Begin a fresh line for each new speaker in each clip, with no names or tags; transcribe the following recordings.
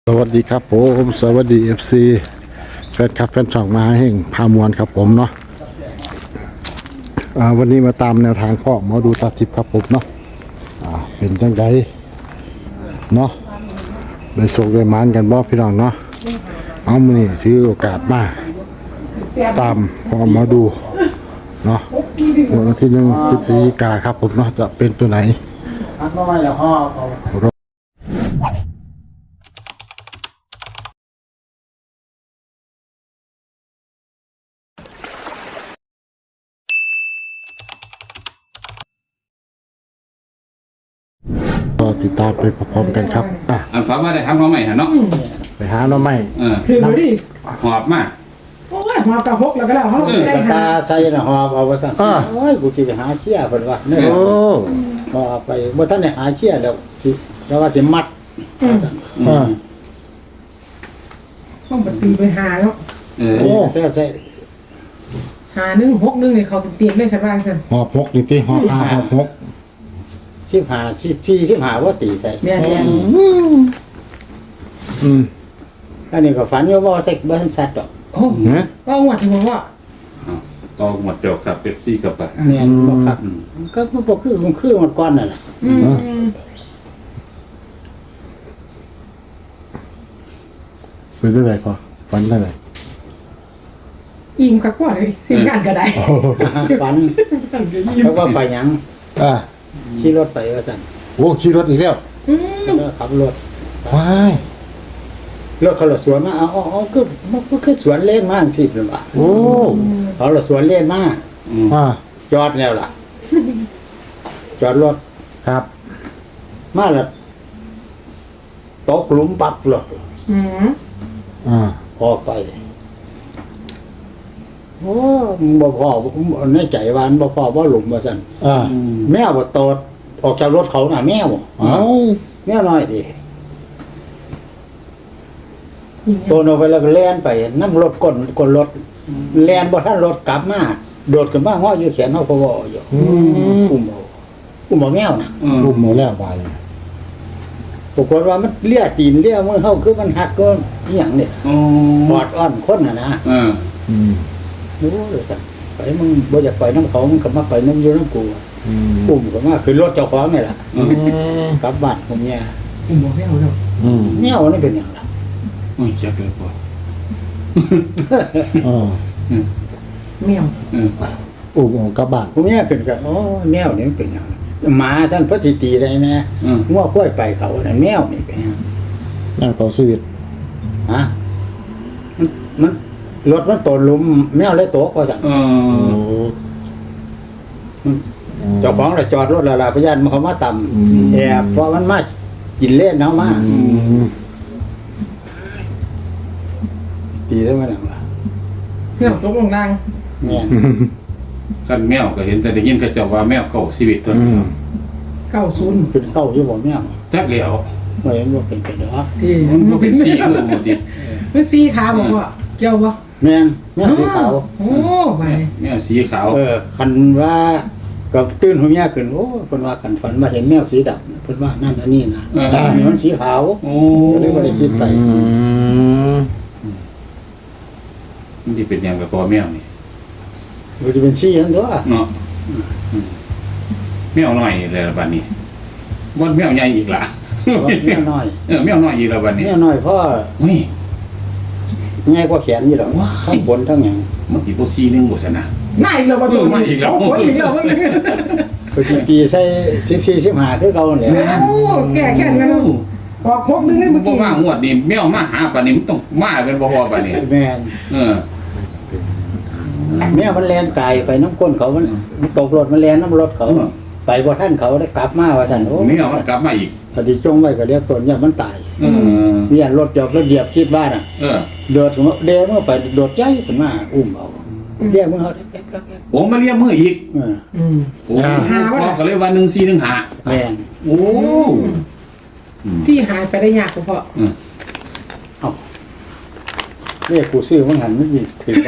สวัสดีครับผมสวัสดีFC แฟนคลับแฟนช่องมาแห่งพามวลครับผมเนาะวันนี้มาตามแนวทางพ่อหมอดูตาทิพย์ครับผมเนาะเป็นจังไดเนาะได้โชคได้หมานกันบ่พี่น้องเนาะเอามื้อนี้ถือโอกาสมาตามพ่อหมอดูเนาะวันที่1 พฤศจิกายนครับผมเนาะจะเป็นตัวไหนอันน้อยแล้วพ่อก็ติดตามไปพร้อมๆกันครับ
อันฟ้ามาได้ทำเขาใหม่ฮะเนาะ
ไปหาหน่อไม้
คือมาดิ
หอบมา
โอ้ยหอบกับพกแล้วก็แล้วเขาไม่ได้
ตาใส่น่ะหอบเอาว่าซั่นโอ้ยกูสิไปหาเขี้ยเพิ่นว่าเนี่ยหอบไปบ่ทันได้หาเขี้ยแล้วสิแล้วว่าสิมัดซั่น
ต้องปฏิไปหาแล้ว
แต่ใส่
หา1 6 1เนี่ยเขาเตรียมได้คันว่าซั่น
หอบ6นี่ติหอบ5หอบ6
15 14 15บ่ตีใส่
แม่น
อันนี้ก็ฝันอยู่ว่าใส่บ่ทันสัตว์ดอก
โอ้ก็หวดถึงว่า
ต่อหมดเจ้าครับเป็ดตี้กับปะ
แม่นบ่ครับก็บ่คือหมดก่อนนั่นล่ะ
เป็นจังได๋พอฝันจังได๋
อิ่มกับกว่าเลยสิ่งงานก็ได้
ฝันเพราะว่าไปหยังขี่รถไปว่าซั่น
โอ้ขี่รถอีกแล้ว
ขับรถ
ว้าย
รถเขาละสวนมาเอาคือสวนเล่นมาจังซี่เพิ่นว่า
โอ้
เขาละสวนเล่นมาจอดแล้วล่ะจอดรถ
ครับ
มาแล้วตกหลุมปักรถออกไปโอ้บ่พอในใจว่าบ่พอว่าหลุมว่าซั่นแมวบ่ตดออกจากรถเขาน่ะแมวแมวน้อยดิโตนออกไปแล้วก็แล่นไปนำรถก้นรถแล่นบ่ทันรถกลับมาโดดขึ้นมาฮ้ออยู่แขนเฮาก็บ่อยู่อุ้มแมวน่ะ
อุ้มหมดแล้วบาด
ปรากฏว่ามันเลียตีนเลียมือเฮาคือมันหักก็อีหยังนี่ปอดอ้อนคนน่ะนะโอ้เลยสั่งไปมึงบ่อยากไปน้ำเขามึงก็มาไปน้ำอยู่น้ำกูอุ้มก็มาขึ้นรถเจ้าของนี่แหละกลับบ้านผมเนี่ย
บอกไม่เอาแล้ว
แมวนี่เป็นอย่างไร
จะเกิดปะ
แมว
อุ้มกลับบ้าน
ผมเนี่ยขึ้นกับแมวนี่เป็นอย่างหมาสั้นพระทิตีได้ไหมง้อค่อยไปเขาเนี่ยแมวนี่เป็นอย่าง
แมวต่อชีวิต
ฮะมันรถมันตกลุมแมวเลยตกว่าสั่งเจ้าของเลยจอดรถละลาพยานมันเขามาต่ำแอบเพราะมันมากินเล่นเนาะมาตีได้ไหมหนังล่ะ
แมวตกลงล่าง
แม่
กันแมวก็เห็นแต่ได้ยินเขาเจ้าว่าแมวเก่าชีวิตตัวนี้
90
เป็นเก่าอยู่บ่แมว
จักเหลียว
ไม่เห็นว่าเป็นไปเด้อ
ที่
มันเป็นสีเหลืองหมดดิ
มันสีขาวบอกว่าเกี่ยวบ่
แม่สีขาว
โอ้ไป
แมวสีขาว
คันว่าก็ตื่นหัวเมียขึ้นโอ้เพิ่นว่ากันฝันมาเห็นแมวสีดำเพิ่นว่านั่นอันนี้นะมันสีขาว
โอ้
เลยบ่ได้คิดไป
มันสิเป็นหยังกับตัวแมวนี่
มันจะเป็นสีนั่นตัว
เนาะแมวน้อยเลยละบัดนี้บ่แมวใหญ่อีกล่ะ
แมวน้อย
แมวน้อยอีกแล้วบัดนี้
แมวน้อยพ่อง่ายกว่าแขนอยู่ดอกทั้งบนทั้งหยัง
มันสิบ่4 1บ่ซะนะ
มาอีกแล้วบ่ตัว
มาอีกแล้ว
ก็ตีใส่14 15คือเก่าแหละ
โอ้แก่แค้นกันออก6 1เลยเมื่อกี้
บ่ว่างวดนี้แมวมาหาปานนี้มันต้องมาเป็นบ่พอปานนี้
แม่นแมวมันแล่นไกลไปน้ำก้นเขามันตกรถมันแล่นน้ำรถเขาไปบ่ทันเขาได้กลับมาว่าซั่นโอ้
แมวมันกลับมาอีก
พอดีจงไว้ก็เรียกตนเนี่ยมันตายมีอันรถจอดรถเหยียบคิดบ้านโดดเดเมื่อไปโดดใหญ่ขึ้นมาอุ้มเอาเรียกมือเขา
โอ้มาเรียกมืออีกโอ้พ่อก็เลยว่า1415
แม่น
โอ้
ที่หายไปได้ยากเพราะ
เนี่ยกูซื้อมันหันไม่มีถือ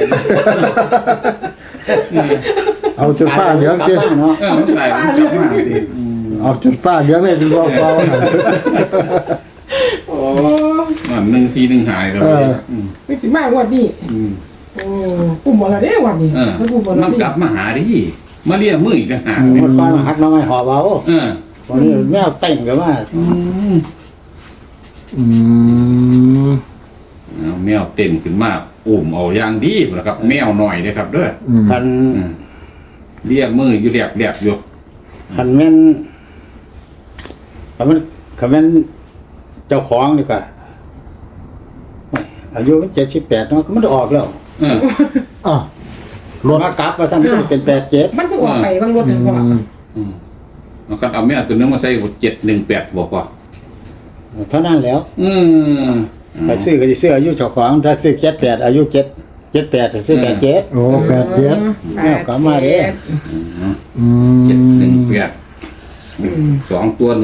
เอาจุดฟ้าเหลืองดิ
เนาะ
เอาจุดฟ้าเหลืองดิ
เอาจุดฟ้าเหลืองเลยจุดฟ้า
โอ้นั่น 1415หายแล้ว
ไม่สิมากวันนี้โอ้ปุ่มอะไรเด้วันนี้มันปุ่มอะไร
มันกลับมาหาดิมาเรียกมืออีกต่างหาก
มันฟังหักน้องไม้หอบเอา วันนี้แมวเต่งกันว่า
แมวเต้นขึ้นมาอุ้มเอาอย่างดีนะครับ แมวหน่อยนะครับเด้อ
พัน
เรียกมืออยู่แหลบๆอยู่
พันแม่นคำแม่นเจ้าของดีกว่าอายุมัน78เนาะมันออกแล้ว
รถ
มากลับมาสั่นก็เป็น87
มันเพิ่งออกไปบางรถเลยพ่อ
แล้วก็เอาแมวตัวนึงมาใส่718บอกว่า
เท่านั้นแล้ว ถ้าซื้อก็สิซื้ออายุเจ้าของถ้าซื้อ78อายุ78จะซื้อ87
โอ้87
แมวกลับมาเด้
718 2ตัว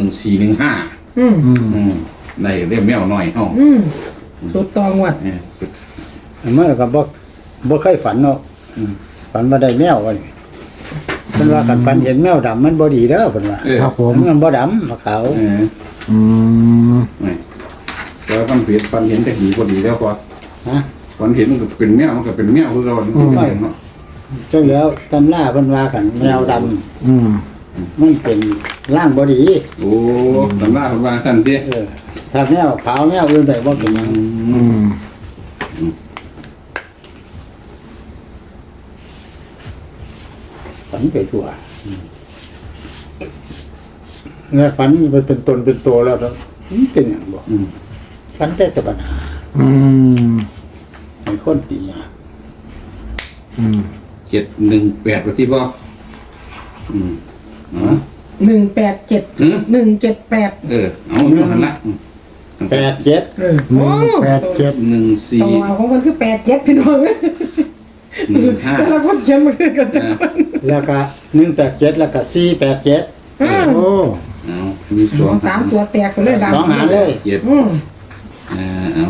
1415ในเรียกแมวหน่อยเฮา
สุดตองวัด
เมื่อก็บ่เคยฝันเนาะฝันว่าได้แมวว่าเพิ่นว่าคันฝันเห็นแมวดำมันบ่ดีเด้อเพิ่นว่า
ครับผม
มันบ่ดำขาว
แต่ฟันเห็นแต่หีพอดีแล้วพอ
ฮะ
ฟันเห็นมันก็เป็นแมวมันก็เป็นแมวคือเราเนาะ
จังแล้วตำราเพิ่นว่าคันแมวดำมันเป็นร่างบ่ดี
โอ้ตำราคนว่าสั้นดิ
ถ้าแมวขาวแมวอื่นได้บ่เป็นหยังฝันไปทั่วเมื่อฝันมันเป็นตนเป็นตัวแล้วมันเป็นหยังบ่ฝันแต่ตะปัญหาให้คนตีอ่ะ
718ว่าที่บ่
187 178
เอาอยู่หั่นละ
87
โอ้
14
ตัวของมันคือ87พี่น้องแต่ละคนเขียนมาคือกันจัง
แล้วก็187แล้วก็487
โอ้
เอามี2
3ตัวแตกไปเลยดัง
สองหางเลย
7เอา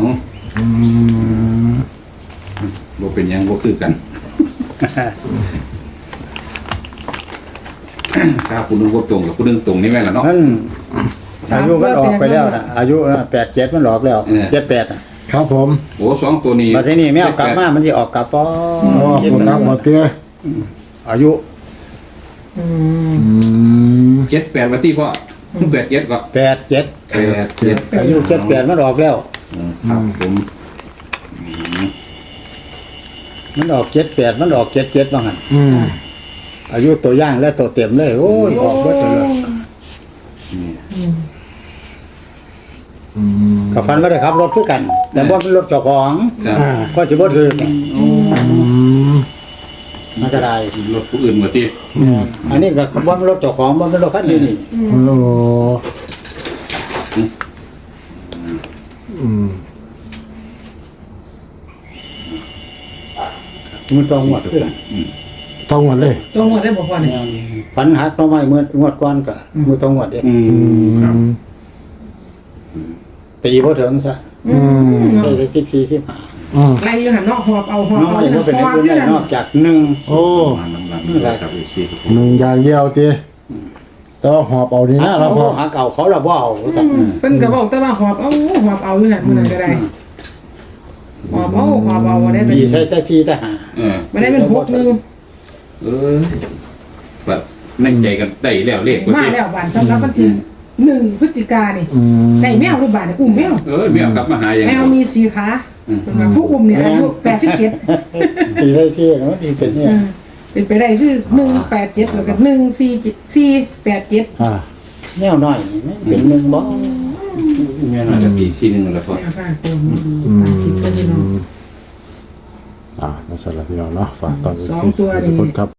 บ่เป็นหยังบ่คือกันถ้าคุณนึกว่าตรงกับคุณนึกตรงนี่แม่นล่ะเนาะ
มันอายุมันออกไปแล้วนะอายุ87มันออกแล้ว78อ่ะ
ครับผม
โอ้2ตัวนี้
มาที่นี่แมวกลับมามันสิออกกลับป้อ
โอ้คุณครับหมดเตี้ย
อายุ
78ว่าที่พ่อ87ก็
87
87
อายุ78มันออกแล้ว
ครับผม
มันออก78มันออก77ว่างั้นอายุตัวย่างและตัวเต็มเลยโอ้ยออกเบิดเลยกับฟันไม่ได้ขับรถคือกัน แต่บ่เป็นรถเจ้าของก็สิบ่ถือมันก็ได้
รถผู้อื่นมาที่
อันนี้ก็บ่เป็นรถเจ้าของบ่เป็นรถคันนี้นี่
โอ้
มันต้องหมดคือกัน
ต้องหมดเลย
จงหมดได้บ่พ่อเนี่ย
ฝันหักต้นไม้เมื่องวดก่อนก็มือต้องหมดเด้
ครับ
ตีบ่ถึงซะใส่ได้14
ไล่อยู่หันเนาะหอบเอา
15น้อยบ่เป็นอื่นได้นอกจาก1
โอ้
มาน้ำหลังนี่แหละครับอีกทีครับผม
หนึ่งอย่างเดียวเตี้ยแต่ว่าหอบเอาดีนะเราพอ
หักเอาเขาละบ่เอาซะ
เพิ่นก็บอกแต่ว่าหอบเอาอยู่หันมื้อนั้นก็ได้หอบเอาบ่ได้เป็น
มีใส่แต่4แต่5
บ่ได้เป็น6 1
แบบนั่งใจกันได้แล้วเลข
มาแล้วบานสำหรับวันที่1พฤศจิกายนนี่ได้แมวหรือบาดอุ้มแมว
แมวกลับมาหาอย่าง
แมวมี4ขาผู้อุ้มเนี่ยอายุ87
ตีใส่4เนาะที่เป็นเนี่ย
เป็นไปได้คือ187แล้วก็14487
แนวน้อยนี่มันเป็น1บ่
แม่น่าจะตีทีนึงแล้วพอ
ค่ะตัวนี้
นั่นสำหรับพี่น้องเนาะฝากตอนนี้
2ตัวนี่
ทุกคนครับ